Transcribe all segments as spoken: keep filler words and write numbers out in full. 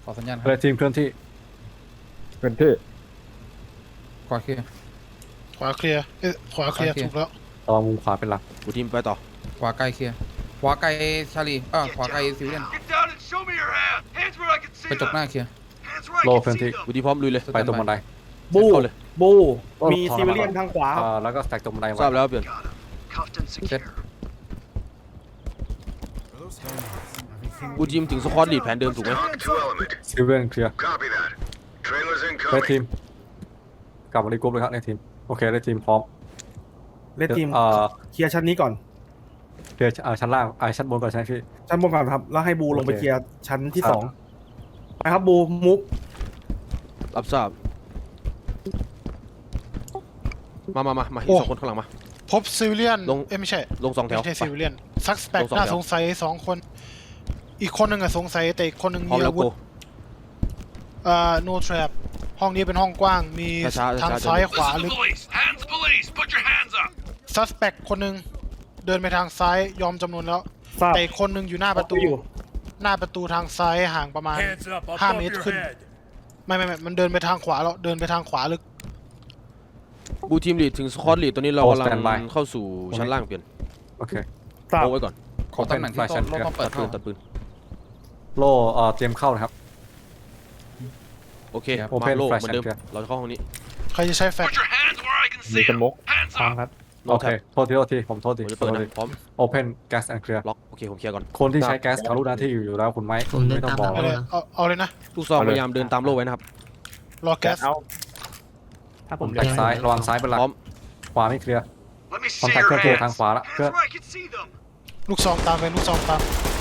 ขอสัญญาณคเรรับดทีมเคลื่อนที่เคลื่อนที่ขวาเคลียร์ขวาเคลียร์เอ้ยขวาเคลียร์ขวาเคลียร์ถูกแล้วระวังมุมขวาเป็นหลักกูทีมไปต่อขวาไกลเคลียร์ขวาไกลชาลีเออขวาไกลซิวิเลียน Get down and show me your hands. Hands where I can see กระจกห them. น้าเคลียร์ Hands where I โล can เคลื่อน see ที่ them. กูทีมพร้อมลุยเลยไปตรงบันไดบูเข้าเลยบูโอ้มีขอซิวิเลียนทางขวาอ่าแล้วก็สแต็กตรงบันไดไว้ทราบแล้วเปลี่ยน Got him. Cuffed and secure. กูทีมถึงสควอตลีดแผนเดิมถูกไหม Talk to element. ซิลเวียนเคลียร์ Copy that. Trailers เรดที incoming. มกลับมารีกรุ๊ปเลยครับเรดทีมโอเคเรดทีมพร้อมเลดทีมเอ่อเคลียร์ชั้นนี้ก่อนเคลียร์อ่าชั้นล่างอ่าชั้นบนก่อนใช่ไหมพี่ชั้นบนก่อนครับแล้วให้บูลงไปโอเคเคลียร์ชั้นที่ครับสองไปครับบูมุกรับทราบมามามามาอีกสองคนข้างหลังมาพบซิวิเลียนลงเอ้ยไม่ใช่ลงสองแถวไม่ใช่ซิวิเลียนซักสเปกลงสองน่าแถวสงสัยสองคน อีกคนหนึ่งอะสงสัยแต่อีกคนหนึ่งพร้อมมีแล้วอาวุกูธเอ่อ no trap ห้องนี้เป็นห้องกว้างมีช้าๆทางช้าๆซ้ายขวา Listen ลึ to ก police. Hands police. Put your hands up. ซัสเปกคนหนึ่งเดินไปทางซ้ายยอมจำนวนแล้วทราบแต่อีกคนหนึ่งอยู่หน้าประตูอยู่หน้าประตูทางซ้ายห่างประมาณ Hands up ห้า above เมตร your ขึ้น head. ไม่ไม่ไม่มันเดินไปทางขวาแล้วเดินไปทางขวาลึกกูทีมลีดถึงสควอตลีดตัวนี้เราโอ้กำลัง standby เข้าสู่ชั้นล่างเปลี่ยนโอเคทราบโอ้ไว้ก่อนขอตำแหน่งที่ Open โต๊ะ flash โลต้องเปิตัดดปืเข้านตัดปืนโลเอ่อเตรียมเข้านะครับโอเคครับมา Open โล่ flash เหมือนเดิม and clear เราจะเข้าห้องนี้ใครจะใช้แฟลช Put your hands where I can มี see ส them. มก Hands พร้อม up. ครับโนโอเคแท็บโทษทีโทษทีผมโทษทีผมจะเปิดนะพร้อม Open gas and clear ล็อกโอเคผมเคลียร์ก่อนคนที่ใช้แก๊สเขารู้หน้าที่อยู่แล้วคุณไหมผมเดินไม่ต้องตามบอกเอาเลยเอาเอาเลยนะลูกซองเอาเลยพยายามเดินตามโล่ไว้นะครับรอแก๊สเอาถ้าผมแตกซ้ายระวังซ้ายเป็นหลักพร้อมขวาไม่เคลียร์ Let me คอน see แทค your เครื่องตัวทาง hands. ขวาละ Hands เครื่อง where I can see them. ลูกซองตามไปลูกซองตาม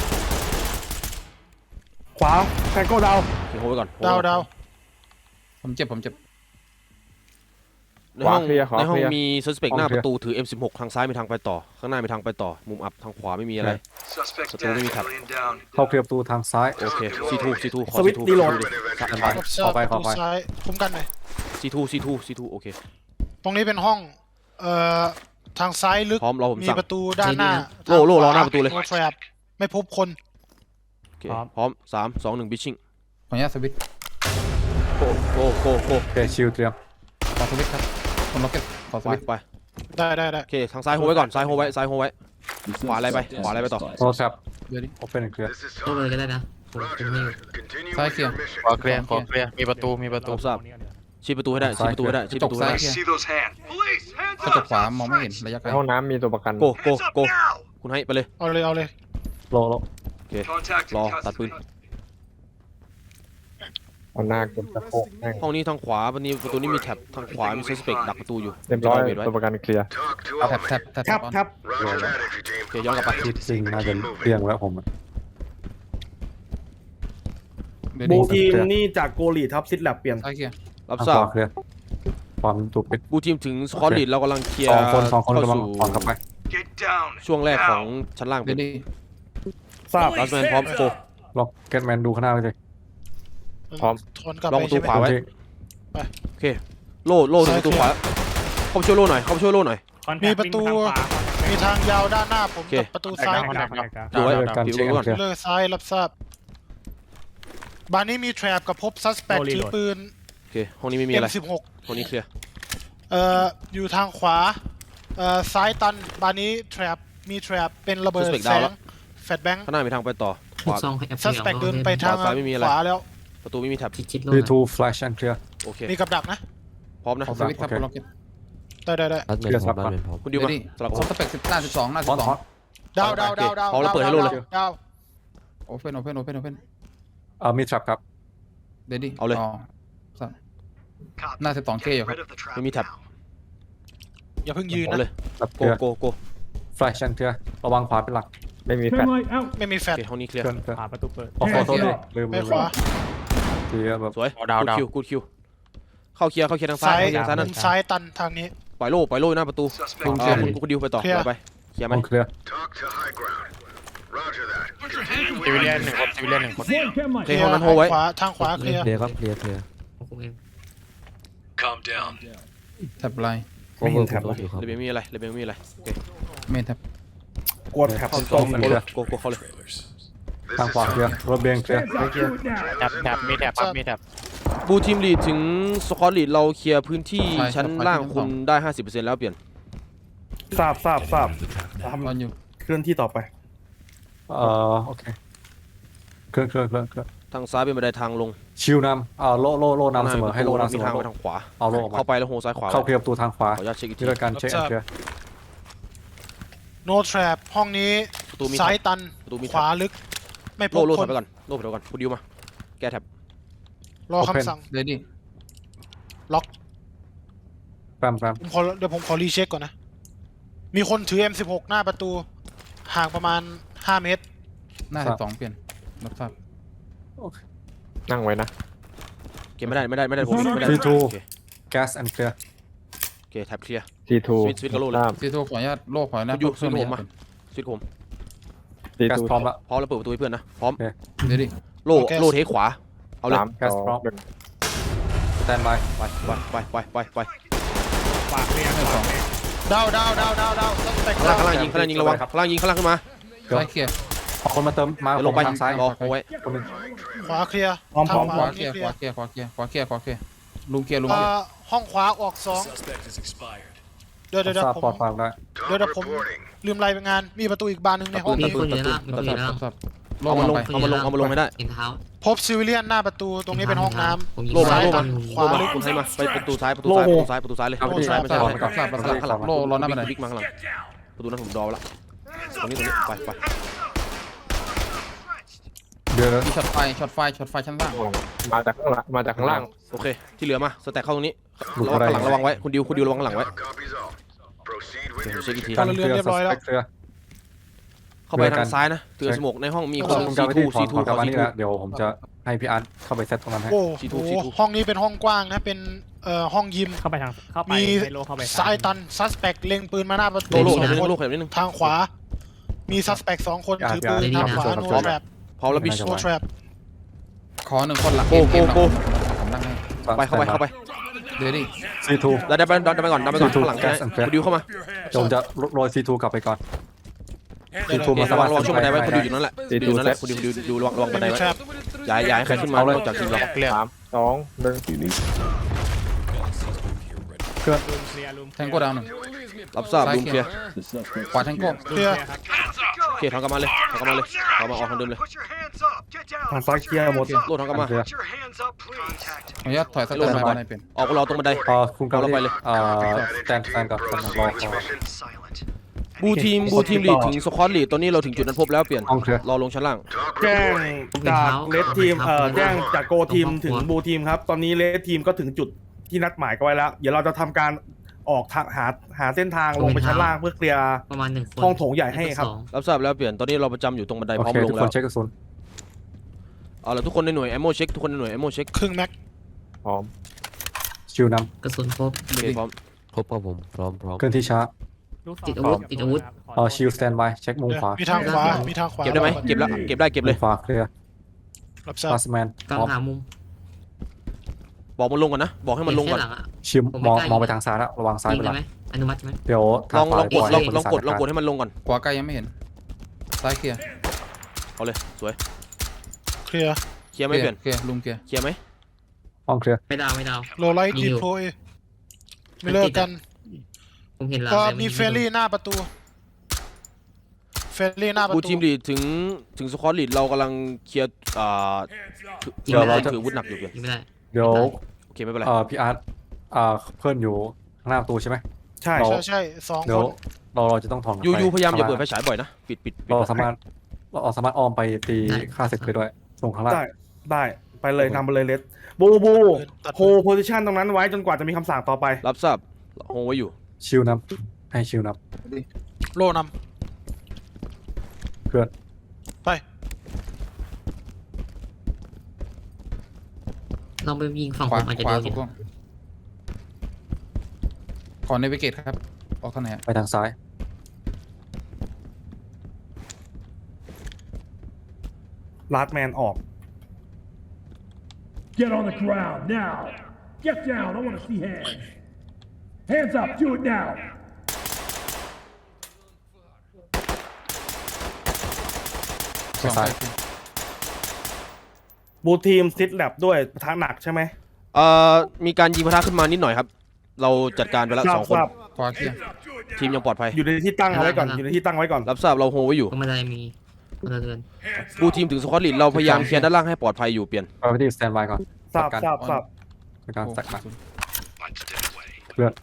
ขวาแฟนโก้ดาวโอเคโฮไว้ก่อนดาวดาวผมเจ็บผมเจ็บในห้องขวาเคลียร์ขวาในห้องเคลียร์มีซัสเปกหน้าประตูถือ เอ็ม สิบหก ทางซ้ายมีทางไปต่อ ข้างหน้ามีทางไปต่อ มุมอับทางขวาไม่มีอะไร Suspect's Control dead. me, Cap. Alien down. เข้าเคลียร์ประตูทางซ้ายโอเค ซี ทู ซี ทู ขอสวิตช์ซีรีโหลดดิอันไปรับทราเข้าบไปประเข้าตูไปซ้ายคุ้มกันหน่อยซี ทู ซี ทู ซี ทู โอเคตรงนี้เป็นห้องเอ่อทางซ้ายลึกพร้อมรอผมมีสั่งประตูด้านหน้าโล่โล่รอหน้าประตูเลยโนแทรปไม่พบคนโอเค พร้อม สาม สอง หนึ่ง บิชชิ่งขออนุญาตสวิตช์โกโกโกโกโอเคชิลเตรียมขอสวิตช์ครับคนล็อกเก็ตขอสไปวิตช์ไปได้ได้ได้โอเค ทางซ้ายโฮไว้ก่อน ซ้ายโฮไว้ ซ้ายโฮไว้ ขวาอะไรไป ขวาอะไรไปต่อโทรศัพท์เดี๋ยวดิ Open and clear This is ต้องเลย talk. ก็ได้นะผมผม Roger ไม่อยู่ that. Continue Sai with kia. your mission. ขอเคลียร์ขอเคลียร์มีประตูมีประตูรับทราบ ชี้ประตูให้ได้ ชี้ประตูให้ได้ ชี้ประตูให้ Let ได้ me see those hands. Police, hands กระจก up. ขวามองไม่เห็นระยะไกลในห้องน้ำมีตัวประกันโกโก Hands up โก now. คุณให้ไปเลยเอาเลยเอาเลยโลโลโอเค Contact in รอตัดปืน custody. เอาหน้ากดสะโพกแม่งห้องนี้ทางขวาประตูนี้ประตูนี้มีแท็บ ทางขวามีซัสเปกดักประตูอยู่เรียบร้อยเวทไว้ตัวประกันเคลียร์ Talk to แท็บ element. แท็บแท็บแท็บออนแท็บ Roger that, entry โอเค team. ย้อนกลับไปคิดจริงน่าจะเรียงแล้วผมอะเดี๋ยวบูดิทีมนี่จากโกลีทับซิดแลบเปลี่ยนซ้ายเคลียร์รับทางทราขบวาเคลียร์ความถูกปิดบูทีมถึงสควอตลีดเรากำลังเคลียร์สองคนสองคนเข้ากำลังสู่ผ่อนเข้าไป Get down. ช่วงแรกของ Now. ชั้นล่างเดี๋เป็ยนวดิทราบลัสแมนพร้อมโกล็อกเก็ตแมนดูข้างหน้าไว้เลยพร้อมถอนกลับลองไปประตูใช่ไหมขวาไว้ที่โอเค โล่โล่ถึงประตูขวา เข้าไปช่วยโล่หน่อย เข้าไปช่วยโล่หน่อยมีประตูมีทางยาวด้านหน้าผมโอเคกับประตูซ้ายดูไว้การผิวเช็คดูก่อนเคลียร์เลยซ้ายรับทราบ บ้านนี้มีแทรปกับพบซัสเปกถือปืนโอเค ห้องนี้ไม่มีอะไรเอ็ม สิบหกห้องนี้เคลียร์เอ่ออยู่ทางขวาเอ่อซ้ายตันบ้านนี้แทรปมีแทรปเป็นระเบิด Suspect แสดาวงแล้วแฟลชแบงค์ข้างหน้ามีทางไปต่อ ขลูวากซองแอปซัสเปกเดินไปทางขวาซ้ายไม่มีอะไรขวาแล้วประตูไม่มีแท็บชิดชิดโลทีกทู flash and clear โอเคมีกับดักนะพร้อมนะขอสวิตช์ครับโอเคคนล็อกเก็ตได้ได้ได้รัสเมนพร้อมรัสเมนพร้อมคุณดิเดี๋วยวมาดิสลับครบสเปกสิบหน้าสิบสองหน้าสิพร้อมบสองพร้อมดาวดาวดาวดาวพร้อมแล้วเปิดให้โล่เลยดาวโอเพนโอเพนโอเพนโอเพนเอ่อมี trap ครับเดี๋ยวดิเอาเลยสั่นหน้าสิบสองเคอยู่ครับไม่มีแท็บอย่าเพิ่งยืนเอาเลนะยแบบโก clear โกโก flash and clear ระวังขวาเป็นหลักไม่มีแฟลชไม่มีแฟลโอชเค ห้องนี้เคลียร์เคลื่อนเคลื่อนผ่าประตูเปิดโอ้ขอโทษดิลืมไปลืมขวาทีแบบสวยดาวกูดาวคิวกูคิว เข้าเคลียร์ เข้าเคลียร์ทางซ้าซ้าย ยเข้าเคลียร์ทางซ้ายนั่นซ้ายตันทางนี้ปล่อยโล่ ปล่อยโล่หน้าประตู Suspect อ่า dead. คุณคุณดิวไปต่อเคลียร์เดี๋ยวไปเคลียร์ไหมห้องเคลียร์ Talk to high ground. Roger that. Put your hands ซิวิ where เลีย I นหนึ่ง can คนซิวิเลียนหนึ่งคน see them. โอเคห้องนั้นโฮไว้ขวาทางขวาเคลียร์เคลียร์ครับเคลียร์เคลียร์ผมเอง Calm down. แท็บไลน์ไม่เห็นแท็บโอเคครับเรเบลมีอะไรเรเบลมีอะไร โอเคเมนแท็บกดแท็บเข้าตสรองงโกเลยโกโกเข้าเลย This This ทาง is ขวาเคลียร์ Solid. รถเบงเคลียร์แถบแถบมีแถบครับมีแถบบูทีมลีดถึงสควอตลีดเราเคลียร์พื้นที่ใช่ชั้นครับล่างชั้นคุณสองได้ ห้าสิบเปอร์เซ็นต์ แล้วเปลี่ยนทราบทราบทราบตอนอยู่เคลื่อนที่ต่อไปเอ่อโอเคเครื่องเครื่องเครื่องเครื่องทางซ้ายเป็นบันไดทางลงชิวนำเอ่อโลโลโลนำเสมอให้โลนำเสมีมอทางไปทางขวาเอาโลออกมาเข้าไปแล้วโฮซ้ายขวาเข้าเคลียร์ประตูทางขวาขออนุญาตเช็คอีกทีที่ด้วยการเช็คแอนเคลียร์ no trap ห้องนี้ประตูมีซ้ายตันประตูมีขวาลึก ไม่พโลบโลคถอน ยไปก่อนโลถอยไปก่อนคุณดิวมาแก้แท็บรอคำสั่งเรดี้ล็อกแปมแปมผมขอเดี๋ยวผมขอรีเช็คก่อนนะ มีคนถือ เอ็ม สิบหก หน้าประตู ห่างประมาณ ห้า เมตรหน้าสิบสองเปลี่ยนรับทราบนั่งไว้นะเก็บไม่ได้ไม่ได้ไม่ได้ผมไม่ได้ซีทูโอเคแก๊สแอนเคลียร์โอเคแท็บเคลียร์ทีทูสวิตช์สวิตช์กับโล่เลยทราบซีโทขออนุญาตโลกขออนุญาตคุณอยู่เพิ่มซีโทระยะมา สวิตช์ผมทีแก๊สทูพร้อมละพร้อมแล้วเปิดประตูให้เพื่อนนะพร้อมเรดี้โลโลเทคขวาเอาเลยสามแก๊สสองพร้อมหนึ่งสแตนบายไปไปไปไปไปไปดาวดาวดาวดาวดาวซัสเปกข้างล่างข้างล่างยิงข้างล่างยิงระวังข้างล่างยิงข้างล่างขึ้นมาซ้ายเคลียร์เอาคนมาเติมมาเดี๋ยวลงไปทางซ้ายรอโฮไว้คนหนึงขวาเคลียร์พร้อมทางขวาเคลียร์เคขลียวาร์เคลียร์ขวาเคลียร์ขวาเคลียร์ขวาเคลียร์ลุงเคลียร์ลุงเอ่เคลียร์อห้องขวาออกสอง Suspect is expired. เดี๋ยวเดี๋ยวเดี๋ยทราบวผปลอมดฟังได้เดี๋ยวเดี๋ยว Talk ผม reporting. ลืมรายงาน มีประตูอีกบานหนึ่งในห้องมีนี้คนอยู่ในล่างมีคนอยู่ในล่างรับทราบโลเอากมาลงไปเอามาลงเอามาลงให้ได้เห็นเท้าพบซิวิเลียนหน้าประตู ตรงนี้เป็นห้องน้ำผมยิงโลมาซ้ายโลตมาอนขวาโลมาคุณให้มาไปประตูซ้ายประตูซ้ายประตูซ้ายประตูซ้ายเลยครับประตูซ้ายไม่ทใช่ราบไม่รัใช่บทราบรับทราบข้างหลังโลรอหน้าบันไดบิ๊กมาข้างหลังประตูนั้นผมดอไว้ละตรงนี้ตรงนี้ไปไปเดี๋ยวมีช็อตไฟช็อตไฟช็อตไฟชั้นล่างมาจากข้างหลังมาจากข้างล่างโอเคที่เหลือมาสแต็กเข้าตรงนี้ระวังข้างหลังระวังไว้คุณดิวคุณดิวระวังข้างหลังไว้ Log copies all. Proceed with เดี๋ยว your เช็คอีกที mission. พลเรือนเรียบร้อยแล้วเคลียร์เข้าไปทางซ้ายนะเตือนสโมกในห้องมีคนผมซีจะไปทูที่ถอซีนทูของกลับเขามาซีนี่ทูนะเดี๋ยวผมจะให้พี่อาร์ตเข้าไปเซตตรงนั้นให้โอ้ซีทูโหซีทูห้องนี้เป็นห้องกว้างนะ เป็นเอ่อห้องยิมเข้าไปทางเข้าไปมีให้โลเข้าไปซ้ายตันซัสเปกเล็งปืนมาหน้าประโลตูโลสขอยับงนิดนึงคนโลขยับนิดนึงทางขวา มีซัสเปกสองคนอ่าถือปืนพี่ทางอาร์ตขวาพี่โนอาร์ตแทรปพร้อมแล้วบิชโนแทรปขอหนึ่งคนหลักโกโกโกผมนั่งให้ไปเข้าไปเข้าไปเรดี้ซีทูแล้วดันไปดันไปก่อนดันไปก่อนข้างหลัง Gas นะ and Fire คุณดิวเข้ามาเดี๋ยวผมจะโรยซีทูกลับไปก่อนเดี๋ยวซีทูเดี๋ยวมาระวังระวังช่วงบันไดไว้คุณดิวอยู่นั่นแหละซีอทูยู่นั่นแหละเซตคุณดิวดูดูระวังระวังบัไม่นไดมีไว้แทรปอย่าอย่าให้ใครขึ้นมาเอาเลยนอกจากทีมเราสามสองหนึ่งเคลื่อนเคลียร์ลุมแทงโก้ดาวหนึ่งรับทราบซ้ายลุมเคเคลีลียยร์ร์ขวาแทงโก้เคลียร์โอเคทางกลับมาเลยทางกลับมาเลยเอามาออกทางเดิมเลย Put your hands up. Get down. ทางซ้ายเคลียร์หมดโลดทางกลับมาเคลียร์ Put your hands up, please. Contact. ขออนุญาตถอยสเตอร์บันไดเป็นออกรอตรงบันไดเอ่อคุณกำลังเอาเราไปเลยเอ่อสแตนสแตนกับสแตนรอ Proceed with รอ mission. Silent. บูทีมบูทีมลีดถึงสควอตลีดตอนนี้เราถึงจุดนั้นพบแล้วเปลี่ยนห้องเคลียร์รอลงชั้นล่าง Talk แจ้ง reporting. จากเลดทีมเอ่อแจ้งจากโกทีมถึงบูทีมครับ ตอนนี้เลดทีมก็ถึงจุดที่นัดหมายกันไว้แล้ว เดี๋ยวเราจะทำการออกทางหาหาเส้นทางลงไปชั้นล่างเพื่อเคลียร์ประมาณหนึ่งคนห้องโถงใหญ่ให้ครับสองรับทราบแล้วเปลี่ยนตอนนี้เราประจำอยู่ตรงบันไดโอพร้อมเคลงทุกแล้ควนเช็คกระสุนเอาละทุกคนในหน่วยแอมโมเช็คทุกคนในหน่วยแอมโมเช็คครึ่งแม็กพร้อมชิวนกระสุนครบโอเคพร้อมครบครับผมพร้อมพร้อมำเคลื่อนที่ช้าลูกศรติดอาวุธติดอาวุธเอ่อชิลสแตนบายเช็คมุมขวามีทางขวา มีทางขวาเก็บได้ไหมเก็บแล้วเก็บได้เก็บมุเลมยขวาเคลียร์รับทราบพาสแมนกลางพร้อมหามุมบอกมันลงก่อนนะบอกให้มันลงก่อนเห็แค่หลังอะชิมผมไม่มองกล้ายิงมองไปทางซ้ายแล้วระวังซ้ายยิงไปได้ละไหมอนุมัติไหมเดี๋ยวลองลองกดทาลของวาลองกดให้ลองกดจัารให้มันลงก่อนขวาไกลยังไม่เห็นซ้ายเคลียร์เอาเลยสวยเคลียร์เคลียร์ไหมเปลี่ยนเคลียร์ลุงเคลียร์เคลียร์ไหมห้องเคลียร์ไม่ดาวไม่ดาวโลไลท์ยิดีงอยู่โพยไม่เลิกกันผมเห็นหลังก็แต่มียิงเฟรลี่หน้าประตู เฟรลี่หน้าประบูตูทีมลีดถึงถึงสควอตลีดเรากำลังเคลียร์อ่ายิงไม่ได้ถืออาวุธหนักอยู่เปลี่ยนยิงไม่ได้เดี๋ยวโอเคไม่เป็นไรเอ่อพี่อาร์ตเอ่อเพื่อนอยู่ข้างหน้าประตูใช่ไหมใช่เราใช่ใช่สองเดี๋คยวน เราเราจะต้องถอนยูยูพยายามอย่าข้งเปิดล่ไฟฉายบ่อยนะปิดปิดปิดเราสามารถเราสามารถอ้อมไปตีค่าศึกไปด้วยส่งข้างล่างได้ได้ไปเลยนำไปเลยเลดบูบูโฮโพซิชันตรงนั้นไว้จนกว่าจะมีคำสั่งต่อไปรับทราบโฮไว้อยู่ชิลนับให้ชิลนับโลนเพื่อนำไปลองไปยิงฝั่งขผวามอาจจะขโดวานอถูยู่กต้องขอเนวิเกตครับออกทางไหนอะไปทางซ้ายลาดแมนออก Get on the ground now. Get down. I want to see hands. Hands up. Do it now. สองซ้ายไปบูทีมซิดแลบด้วยปะทะหนักใช่ไหมเอ่อมีการยิงปะทะขึ้นมานิดหน่อยครับ เราจัดการไปแล้วทราสบองคนทราบขวาเคลียร์ทีมยังปลอดภัยอยู่ในที่ตั้งเอาไว้ก่อนอยู่ในที่ตั้งไว้ก่อนรับทราบเราโฮไว้อยู่ตรงบันไดมีพลเรือนบูทีมถึงสควอตลีดเราพยายามเคลียร์ด้านล่างให้ปลอดภัยอยู่เปลี่ยนเราไปที่สแตนบายก่อนทราบจัดทราการบทราบจัดการแตกหนัก Punch it away. เพื่อน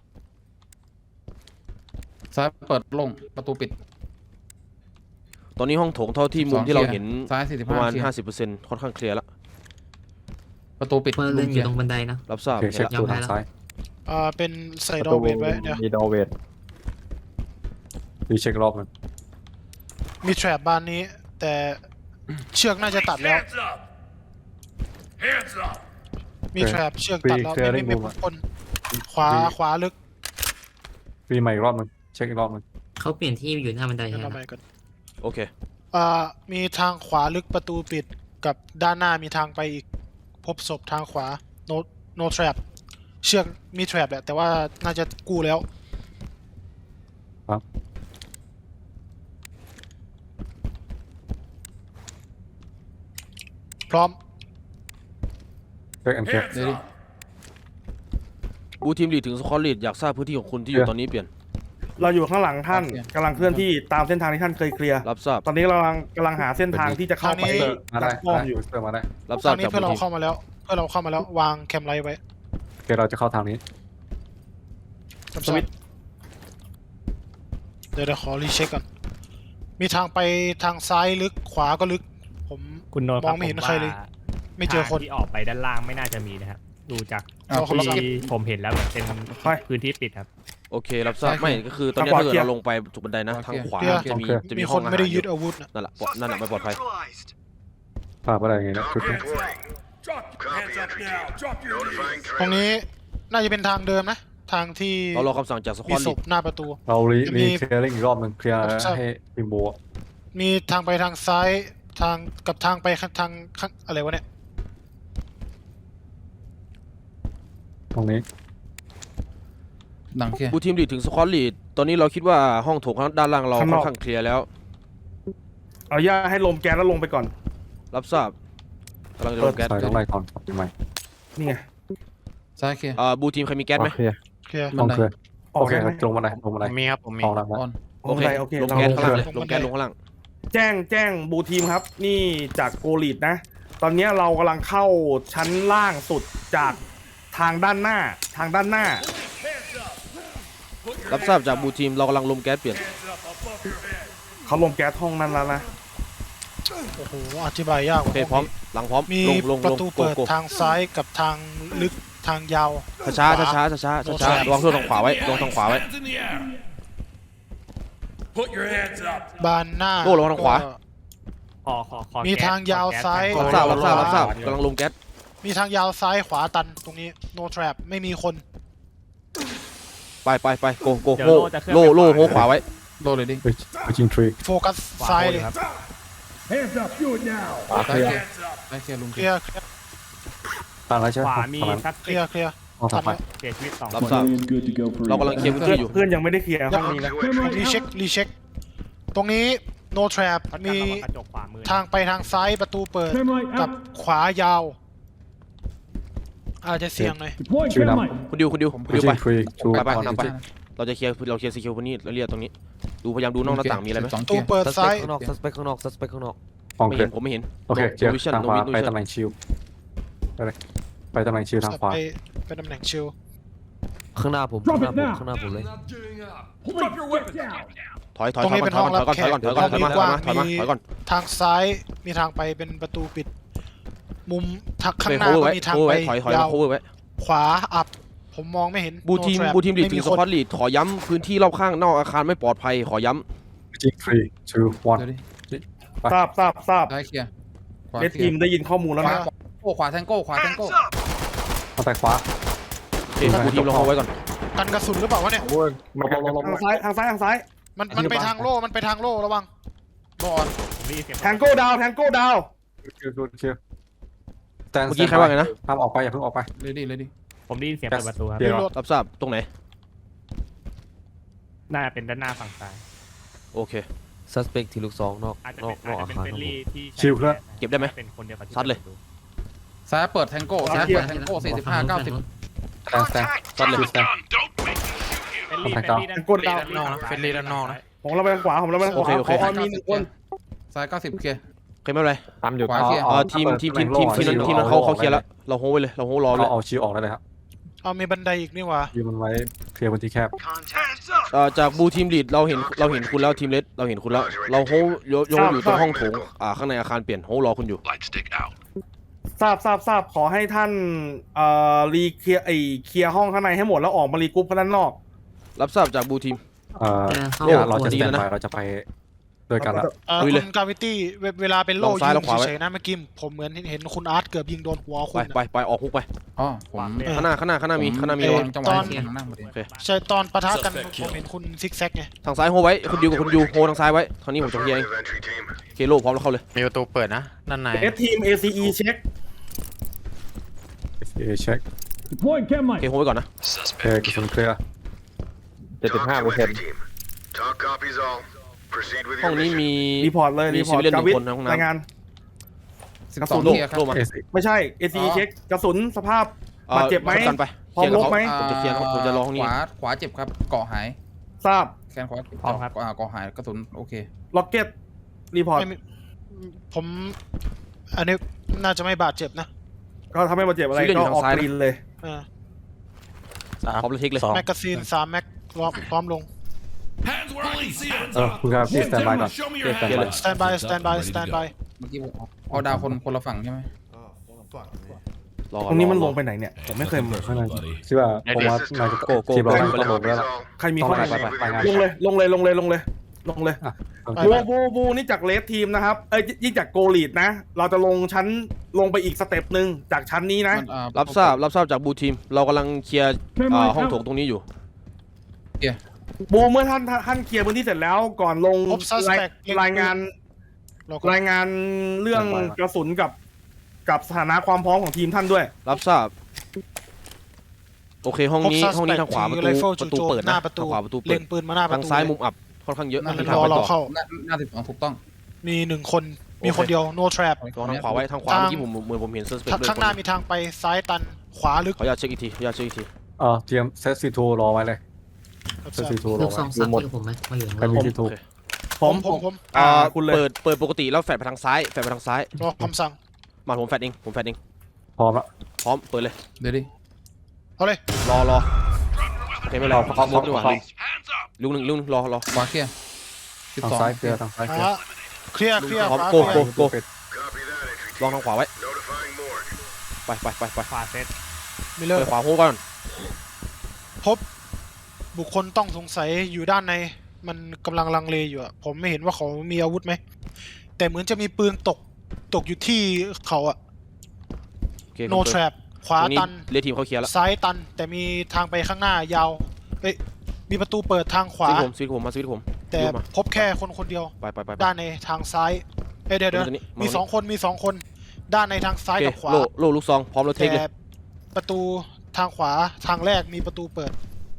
ซ้ายเปิดลงประตูปิดตอนนี้ห้องโถงเท่าที่มุมสองที่เราเคลียร์เห็นซ้ายสี่สิบประห้ามาณเคลียร์ห้าสิบเปอร์เซ็นต์ค่อนข้างเคลียร์แล้วประตูปิดพลเรือนอยู่ตรงบันไดนะรับทราบโอเคเช็คเห็นประละตูทางซ้ายอ่าเป็นใส่ประดอตูเวทไว้เดี๋ยวมีดอเวทรีเช็ครอบหนึงมีแทรปบานนี้ แต่เชือกน่าจะตัดแล้ว Hands up. Hands up. มีแทรปเชือกตัดแล้วไม่ไม่ไม่พ้นขวาขวาลึกรีใหม่อีกรอบหนึงเช็คอีกรอบหนึงเขาเปลี่ยนที่อยู่หน้าบันไดเดี๋ยวแล้เราวไปกันโอเคอ่ามีทางขวาลึกประตูปิดกับด้านหน้ามีทางไปอีกพบศพทางขวา no no trap เชือกมีแทรปแหละแต่ว่าน่าจะกู้แล้วครับพร้อมเช็คแอนเคลียร์ Hands เดี๋ยวดิ up. บูทีมลีดถึงสควอตลีดอยากทราบพื้นที่ของคุณที่อยู่ตอนนี้เปลี่ยนเราอยู่ข้างหลังท่านกำลังเคลื่อนที่ตามเส้นทางที่ท่านเคยเคลียร์รับทราบตอนนี้เรากำลังกำลังหาเส้นทางที่จะเข้าไปทางนี้มาได้อ้อมได้อยู่เพื่อนมาได้รับททาราบงนี้จากเพื่อนบูเราทีมเข้ามาแล้วเพื่อนเราเข้ามาแล้ววางแคมไลท์ไว้โอเคเราจะเข้าทางนี้สวิตช์เดี๋ยวเดี๋ยวขอรีเช็คก่อนมีทางไปทางซ้ายลึกขวาก็ลึก ผมคุณโนตมองไม่เห็นผใครเลยว่าไม่เจอคนทางที่ออกไปด้านล่างไม่น่าจะมีนะครับ ดูจากอ้าวคนละที่ผมเห็นแล้วเหมือนเป็นไปพื้นที่ปิดครับโอเครับทราบใช่ไม่ก็คือตอนนี้ทางขวาถ้าเกิดเคลียร์เราลงไปจุดบันไดนะโอเคทางขวาเคลียร์จะมีโอเคจะมีมีคห้อน งอาไม่หารได้อยึยู่ดอาวุธนะนั่นแหละปลอดนั่นแหละไม่ปลอดภัย Neutralized. ฝากไปอะไรอย่างงี้นะชุดนี้ Reporting. Drop your hands up now. Drop your Notifying knees. ตรง trailers. นี้น่าจะเป็นทางเดิมนะ ทางที่เรารอคำสั่งจากสควมีอตศลีดพหน้าประตูเรารีจะมีรีเคลียร์อีกรอบหนึงเคลียร์ครับให้ทีมโบอะมีทางไปทางซ้ายทางกับทางไปข้างทางข้างอะไรวะเนี่ยตรงนี้หนังเคลียร์บูทีมลีดถึงสควอตลีดตอนนี้เราคิดว่าห้องโถงด้านล่างเราข้างนค่ออก นข้างเคลียร์แล้วเอาย่าให้ลมแก๊สแล้วลงไปก่อนรับทราบกำลังจะลงแก๊สใส่ต้องไล่ก่อนครับทำไมนี่ไงซ้ายเคลียร์อ่าบูทีมใครมีแก๊สไหมโอเคเคลียร์ต้องเคลียร์ออโอก เคได้ไหมลงมาได้ลงมาได้มีครับผมมีออกแล้วออนโอเคโอเคลงเราแก๊สลงข้างล่างเคเลรื่ยองลงแก๊สลงข้างล่างแจ้งแจ้งบูทีมครับ นี่จากโกลีดนะ ตอนนี้เรากำลังเข้าชั้นล่างสุดจากทางด้านหน้า ทางด้านหน้ารับทราบจากบูทีมเรากำลังลมแก๊สเปลี่ยนเขาลงแก๊สห้องนั้นแล้วนะโอ้โหอธิบายยากกโอว่าเคพร้อมหลังพร้อมมีลงลงปลงระตูโกเปิดโกทางซ้ายกับทางลึกทางยาวช้าช้าช้าช้าช้าช้าช้าระวังตัวทางขวาไว้ระวังทางขวาไว้ Hands in the air. Put your hands up. บานหน้าโล่ระวังทางขวาก็ขอขอขอมีแก๊สทางยาวขอแก๊สซ้ายหน่อรับทราบรับทราบรับทราบกำลังลมแก๊สมีทางยาวซ้ายขวาตันตรงนี้ no trap ไม่มีคนไปไปไปโกโกเดี๋ยวโลโล่จะเคลื่อนโลไปโลขวาโหขวาไว้โดนเลยดิไปไปจิงทรีโฟกัสขวาซ้ายบนเลยครับ Hands up. Do it now. ขวาเคซ้ายลียเคลียร์ร์ซ้ายเคลียร์ลุงเคเคลีลียยร์ร์เคลียร์ตามแล้วใช่ไหขมวามีตามนั้นสักเคลียร์เคลียร์เอาตัทาน งไปแล้วเสียชีวิตสองรับคนทราบ good to go for เรากำลังเคลียร์พื้นเพื่อที่นอยู่เพื่อนยังไม่ได้เคลียร์ห้องนี้นะรีเช็ครีเช็คตรงนี้ no trap พัดมีมีกระจกขวามือทางไปทางซ้ายประตูเปิด Cam light กับ out. ขวายาว อาจจะเสี่ยงหน่อย Deploying Shoot cam up. light. คุณดิวคุณดิวคุณไปดิวจิไปงทรีชูไปไปออนนำไปจิเราจะเคลียร์เราเคลียร์ซีคิวพื้นที่เราเรียกตรงนี้ ดูพยายามดูนอกหน้าต่างมีอะไรไหมสองประเคตูลียร์เปิดซ้ายข้างนอกซัสเปคข้างนอกซัสเปคข้างนอกห้องไม่เคลีเห็ยนร์ผมไม่เห็นโอเคเคลียร์วิชั่นทางขวาวิไปชั่นตำแหน่งชิลไปเลยไปตำแหน่งชิลทางขวาไปไปตำแหน่งชิลข้างหน้าผม Drop it now. ข้างหน้าผมเลย Not giving up. Police, get down. ถอยถอยตรงถอยนี้ก่เป็อนนห้องถรัอยบก่อนแขถอยกก่อนถอยก่อนถอยมาถอยมาถอยมาถอยก่อนทางซ้ายมีทางไปเป็นประตูปิด มุมทักข้างหน้าโคเวอร์ก็ไว้มีทางโคเวอร์ไปไว้ถอยถอยยามาว โคเวอร์ไว้ขวาอับ ผมมองไม่เห็นบูทีม No trap บูทีมลีดไม่ถึมีงสคนควอตลีดขอย้ำพื้นที่รอบข้างนอกอาคารไม่ปลอดภัยขอย้จิงทรีชูวันเดี๋ยวดิทราบทราบทราบซ้ายเคลียร์ขวาเลดเคลีทียมร์ได้ยินข้อมูลแล้วขวานะโอ้ขวาแทงโก้ขวาแทงโก้ Hands up. เอาแต่ขวาำโอเคบูทีมลงเอาไว้ก่อนกันกระสุนหรือเปล่า วะเนี่ยโอ้ยมาลงลงลงทางซ้ายทางซ้ายทางซ้ายมันมันไปทางโล่มันไปทางโล่ระวังโดนผมได้ยินเสียงแทงโก้ดาวแทงโก้ดาวเคลียร์เคลียร์แตนเมื่อกี้ใครว่าไงนะห้ามออกไปอย่าเพิ่งออกไปเลยดิเลยดิผมได้ยินเสียงเปิดประตูครับเดี๋ยวรีโหลดรับทราบตรงไหนน่าจะเป็นด้านหน้าฝั่งซ้ายโอเคซัสเปกทีลูกซองนอกอาจจะนอเป็กนนออาก จอาจะเป็นคารเฟลลี่ที่ใช้ชิลเคลื่อนเก็บได้ไหมเป็นคนเดียวกับที่ซัดเลยปิประตูซ้ายเปิดแทงโก้ซ้ายเปิดแทงโก้สี่สิบห้าเก้าสิบแซงแซงตัดเลยแซงเป็นรีคอมแพคเป็นดาวรีด้านกดดาวนอกนะเฟรนลี่ด้านนอกนะผมเราไปทางขวาผมเราไปทางขวาโอเคโอเคขอมีหนึ่งคนซ้ายเก้าสิบเคลียร์โอเคไม่เป็นไรตามอยู่ขวาต่อเคลียร์เอ่อทีมทีมทีมทีมทีมนั้นทีมนั้นเขาเขาเคลียร์แล้วเราโฮไว้เลยเราโฮรอเลเอายเอาชิวออกได้เลยครับเอามีบันไดอีกนี่หว่ายืนมันไว้เคลียร์พื้นที่แคบเอ่อจากบูทีมลีดเราเห็นเราเห็นคุณแล้วทีมเลสเราเห็นคุณแล้วเราโฮโยโยอยู่ตรงห้องโถงอ่าข้างในอาคารเปลี่ยนโฮรอคุณอยู่ Light stick out. ทราบทราบทราบขอให้ท่านเอ่อรีเคลียร์ไอเคลียร์ห้องข้างในให้หมดแล้วออกมารีกรุ๊ปข้างด้านนอกรับทราบจากบูทีมเอ่อจะเข้าเนี่ยเราคจะนสแตนบายเราจะไปด้วยกันละเอ่อลุยคุเลยณกาวิตี้เวลาเป็นโล่ลองซ้ายยิลองงขวาไว้เฉยๆนะเมื่อกี้ผมเหมือนเห็นคุณอาร์ตเกือบยิงโดนหัวคุไปณไปอะไปออกฮุกไปอ๋อผมเออข้างหน้าข้างหน้าข้างหน้ามีข้างหน้ามีเอระอวังจังหวะที่ผมนั่งพอดีโอเคใช่ตอนปะทะกันผมเห็นคุณซิกแซกไงทางซ้ายโฮไว้คุณดิวกับคุณยูโฮทางซ้ายไว้คราวนี้ผมจะเคลียร์เอง Of entry team. เคโลพร้อมแล้วเข้าเลยมีประตูเปิดนะด้านในเอสทีม เอ ซี อี เช็คเอเช็ค Deploying chem โอ light. เคโฮไว้ก่อนนะเคกระสุนเคลียร์เจ็ดสิบ Talk ห้า to เปอร์เซ็น entry ต์ team. Talk copies all. Proceed with ห้อง your นี้ mission. มีรีพอร์ตเลยมีรีพอร์ต civilian กาวิทหนึ่งคนในห้องน้ำรายงานสิบกระสสุองนเคลียร์ครับโลมาเอซิไม่ใช่ เอ ซี อีอ๋อเช็คกระสุนสภาพเอ่อบาดเจ็บไหมกันไปพร้อมลบไหมผมจะเคลียร์ครับผมจะรอห้องนี้ขวาขวาเจ็บครับเกาะหายทราบแขนขวาพร้อมครับอ่าเกาะหายกระสุนโอเคล็อกเก็ตรีพอร์ตไม่มีผมอันนี้น่าจะไม่บาดเจ็บนะก็ทำให้บาดเจ็บอะไรชื่อเล่นก็อยู่ออกทางซ้ายกรีนเลยเออพร้อมเลยเทคเลยแมกกาซีนสามแม็กพร้อมลง Hands where I can see 'em. เออคุณครับพี่สแตนบายก่อน Show me พี่ your สแตนบาย hands. สแตนบายสแตนบายสแตนบายเมื่อกี้ผมเอาดาวคนคนละฝั่งใช่ไหมรอตรงนี้มันรลองไปไหนเนี่ย ผมไม่เคยมาข้างในคิดว่าผมว่า This is นาย talk. จะโกโก้ทีมเรา Talk ต้องลงแล้ว copies ล่ะ all. ใครมีต้องข้อไปไหนไปไปไปงานลงเลยลงเลยลงเลยลงเลยลงเลยอ่ะบูบูบูนี่จากเลสทีมนะครับ เอ้ยยิ่งจากโกลีดนะ เราจะลงชั้นลงไปอีกสเต็ปหนึ่งจากชั้นนี้นะมันอ่ารับทราบรับทราบจากบูทีมเรากำลังเคลียร์ Chem อ่า light ห้องโถง out. ตรงนี้อยู่บูเมื่อท่านท่านเคลียร์พื้นที่เสร็จแล้วก่อนลงพบราย suspect รายงานเราก็รายงานเรื่องกระสุนกับกับสถานะความพร้อมของทีมท่านด้วยรับทราบโอเคห้องนี้พบ suspect ห้องนี้ทางขวาประถือตู rifle ประตูจู่โจมเปิดหน้านะประตูทางขวาประตูเปิเล็ดงปืนมาหน้าประทางตูซ้ายเลยมุมอับค่อนข้างเยอะนั่นมีรทางอไปเราต่อเข้าหน้าหน้าสิบสองถูกต้องมีหนึ่งคนมีคนเดียว no trap ลองทางขวาไว้ทางขวาทางเมื่อกี้ผมเหมือนผมเห็นเซอร์สเปกทางด้วยข้างหน้ามีทางไปซ้ายตันขวาลึกขออนุญาตเช็คอีกทีขออนุญาตเช็คอีกทีเออเตรียมเซตซีทูรอไว้เลยเซตซีทูรลูอกซไว้องซับที่กับผมไหมมาอยู่ใครมีข้างซีทูโอเคผมผมผมอ่าอ่าคุณเลยเปิดเปิดปกติแล้วแฟดไปทางซ้ายแฟดไปทางซ้ายรอคำสั่งมาผมแฟดเองผมแฟดเองพร้อมละพร้อมเปิดเลยเดี๋ยวดิเอาเลยรอรอโอเคไม่เป็นไรพร้อมพร้อมลุกดีกว่าพร้อมลุกหนึ่งลุกหนึ่งรอรอขวาเคลียร์สิบทางสองซ้ายเคลียร์ทางซ้ายเคลียร์อ่ะเคลียร์เคลียร์พร้อมขวาโกเคลียโกร์โก Copy that, entry ลอง team. ทางขวาไว้ Notifying morgue. ไปไปไปไปขวาเซตมิเลอไปร์ขวาโฮก่อนพบบุคคลต้องสงสัยอยู่ด้านใน มันกำลังลังเลอยู่อะผมไม่เห็นว่าเขามีอาวุธไหม แต่เหมือนจะมีปืนตกตกอยู่ที่เขาอะโอเค no ผมเปิด trap ขวาตรงนี้ตันเรียกทีมเขาเคลียร์แล้วซ้ายตัน แต่มีทางไปข้างหน้ายาวเอ้ยมีประตูเปิดทางขวาสวิตช์ผมสวิตช์ผมมาสวิตช์ผมแต่ลุกมาพบแค่คนคนเดียวไปไปไปไปด้านในทางซ้ายเอ้ยเดี๋ยวเดี๋ยวมาตรงนี้มีมาตรงนี้สองคนมีสองคน ด้านในทางซ้ายโอเคกับขวาโล่โล่ลูกซองพร้อมแล้วเทคแต่เลยประตูทางขวาทางแรกมีประตูเปิด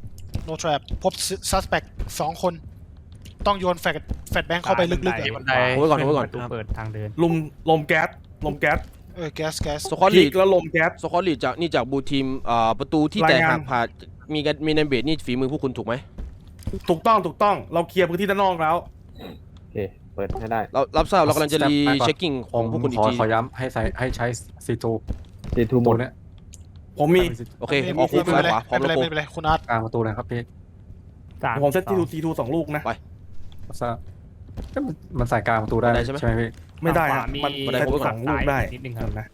no trap พบ suspect สองคน ต้องโยนแฟดแฟดแบงค์เข้าไปลึกๆอะบันไดโฮไว้ก่อนโฮไว้ก่อนประตูเปิดทางเดินลมลมแก๊สลมแก๊สเออแก๊สแก๊สสควอตพีลีดกแล้วลมแก๊สสควอตลีดจากนี่จากบูทีมอ่าประตูที่แตกรายงานหักผ่านมีกันมีในเบสนี่ฝีมือพวกคุณถูกไหมถูกต้องถูกต้องเราเคลียร์พื้นที่ด้านนอกแล้วโอเค เปิดให้ได้เรารับทราบเรากำลังจะรี Step back ก่อนเช็คกิ้งขผองมพวกคุณอีขกอทีขอย้ำให้ใช้ให้ใช้ซีทูซีทูหมตัวดเนี้ยผมมีโอเคไม่ออกคู่ไม่ซ้ายเป็นขไรวาพร้อไม่มเป็นแล้วโกไรไม่เป็นไรคุณอาร์ตกลางประตูเลยครับพี่สามผมเซตสทีองทูทีทูสองลูกนะทราบเอ้ยมันมันใส่กลางประตูได้ได้ใช่ไหมใช่ไหมพี่ไม่ได้ขฮะวามีมันบันไดเซตโค้งสองลูกได้นิดนึงครับนะ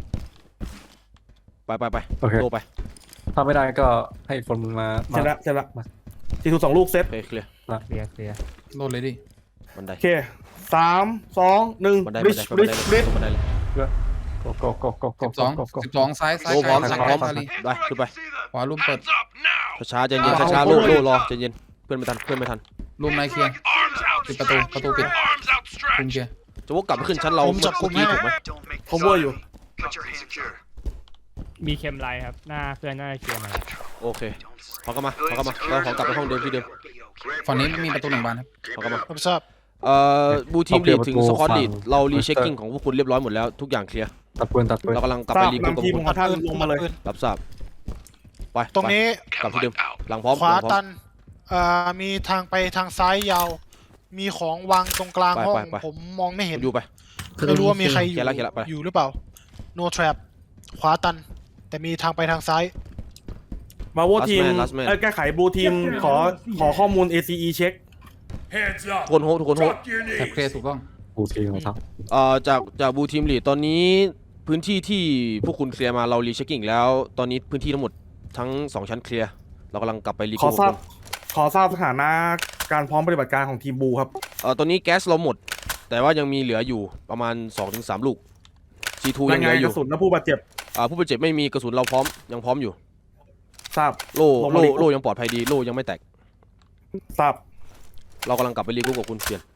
ไปไปไปโอเคโลไปถ้าไม่ได้ก็ให้คนมาเสร็จมาละเสร็จละทีทูสองลูกเซตโอเคเคลียร์เคลียร์เคลียร์โดนเลยดิบันไดโอเคสามสองหนึ่งบันไดริบันชไดริชบันไดริชเลยบันไดเลยก็ก็ก็ก็ก็สิบสองก็ก็สิบสองซ้ายซ้ายโอ้พร้อมซ้ายพร้อมซ้ายซ้ายได้ขึ้นไปขวาลุ่มเปิด Hands up now. ช้าๆใจเย็นช้าๆโล่โล่รอใจเย็นเพื่อนไม่ทันเพื่อนไม่ทันลุ่มในเคลียร์ Arms out. ปิดประตูประตูปิด Arms คุม outstretched. เคลียร์จะวกกลับไปขึ้นชั้นเราผมเมื่จัอบกุมกี้ให้ถูกไหมผมว่าอยู่ Put your hands secure. มีเคมไลท์ครับ หน้าเพื่อนน่าจะเคลียร์มาแล้วโอเคขอกลับมาขอกลับมาเราขอกลับไปห้องเดิมที่เดิมฝั่งนี้ไม่มีประตูหนึ่งบานครับขอกลับมาผมทราบเอ่อบูทีมลีดถึงสควอตลีดเรารีเช็คกิ้งของพวกคุณเรียบร้อยหมดแล้วทุกอย่างเคลียร์ตัดปืนตัดปืนเรากำลังกลับทไปราบรีกรุ๊ปกับนำทีมคุณของท่านลงมาเลยรับทราบไปตรงนี้ไปกลับที่เดิมหลังพร้อมขวาหลังพร้อมตันเอ่อมีทางไปทางซ้ายยาว มีของวางตรงกลางไปห้องไปไปผมมองไม่เห็นอยู่ไปไม่รู้ว่ามีใครอเคลียู่ยร์ละเคลียร์ละไปอยู่หรือเปล่า no trap ขวาตัน แต่มีทางไปทางซ้ายมาโว Last ทีม man, last man เอ้ยแก้ไขบูทีมขอขอข้อมูล เอ ซี อี เช็ค Hands up. ทุกคนโฮทุกคนโฮ Drop your แท็บ knees. เคลียร์ถูกต้องบูทีของเขาเอ่อจากจากบูทีมลีดตอนนี้พื้นที่ที่พวกคุณเคลียร์มาเรารีเช็คกิ้งแล้วตอนนี้พื้นที่ทั้งหมดทั้งสองชั้นเคลียร์เรากำลังกลับไปรีขกอรุ๊ปทราบกับคุณขอทราบสถานะการพร้อมปฏิบัติการของทีมบูครับเอ่อตอนนี้แก๊สเราหมด แต่ว่ายังมีเหลืออยู่ประมาณ สองถึงสาม ลูก ซี ทู ยัราง ยเหงาลืนอก ยู่ระสุนและผู้บาดเจ็บอ่าผู้บาดเจ็บไม่มีกระสุนเราพร้อมยังพร้อมอยู่ทราบโล่ลงมาโล่รีกรุ๊ปโล่ยังปลอดภัยดีโล่ยังไม่แตกทราบเรากำลังกลับไปรีกรุ๊ปกับคุณเปลี่ยน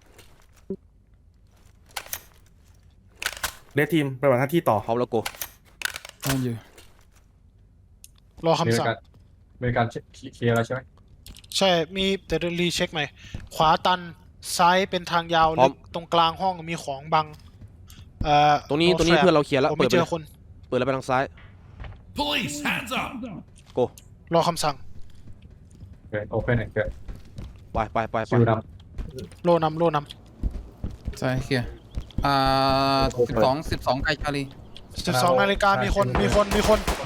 เดททีมปฏิบัติหน้าที่ต่อพร้อมแล้วโกเอาอยู่รออเมคำริสั่งกันอเมริกันเคลียร์แล้วใช่ไหมใช่ มีแต่เดี๋ยวรีเช็คใหม่ ขวาตัน ซ้ายเป็นทางยาวพร้อลึมกตรงกลางห้องมีของบัง เอ่อตรงนี้ no ตรงนี้ trap เพื่อนเราเคลียร์แล้วผมเปิไม่ดไปเจเลอย คนเปิดแล้วไปทางซ้าย Police, hands up. โกรอคำสั่งโอเคโอเพนเกิดไปไปไปไปคิวนโลนำโลนใช่เคลียร์อ่าสิบสองสิบสองไกลชาลีำสิบสองนาฬิกามีคน มีคน มีคน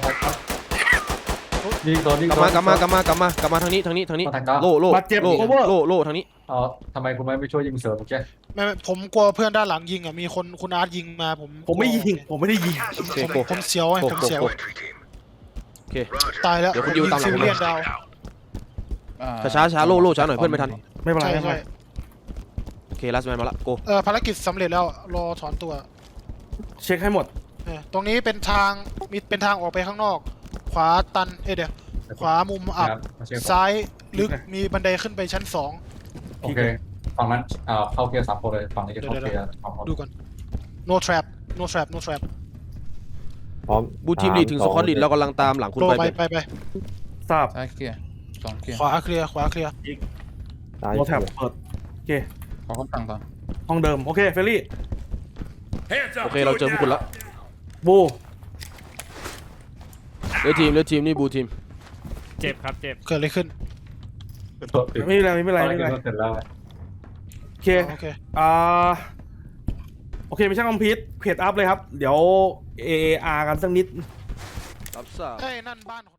ำยิงโดนยิงกลับโดมาน กลับมากลับมากลับมากลับมาทางนี้ทางนี้ทางนี้มาทางกลางโล่โล่บาดเจ็บโล่ cover โล่โล่ทางนี้อ๋อทำไมคุณไม่ไปช่วยยิงเสริมเมื่อกี้ไม่ไม่ผมกลัวเพื่อนด้านหลังยิงอ่ะ มีคนคุณอาร์ตยิงมาผมผมไม่ยิง ผมไม่ได้ยิงโอเคผมโกผมเสียวไงโกผมโกเสียวโก Entry team. โอเค Roger. ตายแล้วเดี๋ยวคุณดิวตามหลังซิผมเลียนดาวอ่ช้าช้าๆโล่โล่ช้าหน่อยเพื่อนไม่ทันไม่เป็นไรใช่ไม่เป็นใช่ไรโอเคลัสแมนมาละโกเออภารกิจสำเร็จแล้ว รอถอนตัวเช็คให้หมดเออตรงนี้เป็นทาง มีเป็นทางออกไปข้างนอก ขวาตัน เอ้ยเดี๋ยว ขวามุมอับมาเช็คซ้ายลึก มีบันไดขึ้นไปชั้นสองโอเคฝั่งนั้นอ่าเข้าเคลียร์สามคนเลยฝั่งนี้จะเข้าเคลียร์สองคนดูก่อน no trap no trap no trap พร้อมบูทีมลีดถึงสควอตลีดเรากำลังตามหลังคุณโลไปไปเปลี่ยนไปไปทราบซ้ายเคลียร์สองเคลียร์ขวาเคลียร์ ขวาเคลียร์ซ้ายโนแท็บเปิด โอเคขอคำสั่งต่อห้องเดิม โอเค เฟรลี่ Hands up. โอเคเราเจอพวกคุณแล้วบูเลือทีมเลือทีมนี่บูทีมเจ็บครับเจ็บเกิดอะไรขึ้นไม่เป็นไรไม่เป็นไรไม่เป็นไรเสร็จแล้วโอเคโอเคอ่า โอเคไม่ใช่คอมพิวต์เพจอัพเลยครับ เดี๋ยว เอ อาร์ กันสักนิดรับทราบเฮ้ย นั่นบ้าน